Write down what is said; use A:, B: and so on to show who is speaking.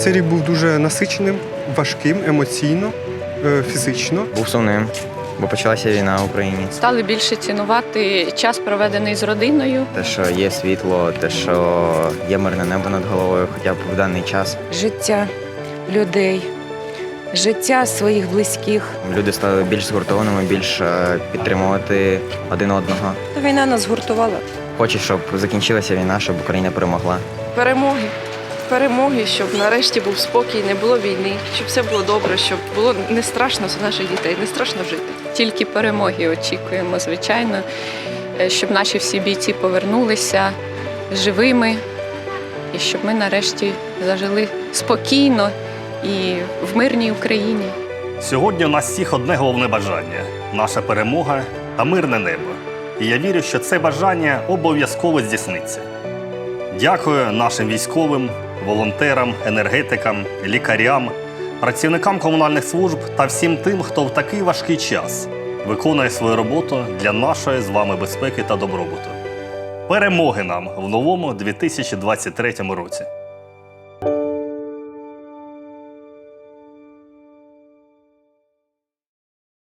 A: Цей рік був дуже насиченим, важким, емоційно, фізично.
B: Був сумним, бо почалася війна в Україні.
C: Стали більше цінувати час, проведений з родиною.
B: Те, що є світло, те, що є мирне небо над головою, хоча б в даний час.
D: Життя людей, життя своїх близьких.
B: Люди стали більш згуртованими, більш підтримувати один одного.
D: Війна нас згуртувала.
B: Хочу, щоб закінчилася війна, щоб Україна перемогла.
E: Перемоги. Перемоги, щоб нарешті був спокій, не було війни, щоб все було добре, щоб було не страшно за наших дітей, не страшно жити.
C: Тільки перемоги очікуємо, звичайно, щоб наші всі бійці повернулися живими і щоб ми нарешті зажили спокійно і в мирній Україні.
F: Сьогодні у нас всіх одне головне бажання – наша перемога та мирне небо. І я вірю, що це бажання обов'язково здійсниться. Дякую нашим військовим, волонтерам, енергетикам, лікарям, працівникам комунальних служб та всім тим, хто в такий важкий час виконує свою роботу для нашої з вами безпеки та добробуту. Перемоги нам в новому 2023 році!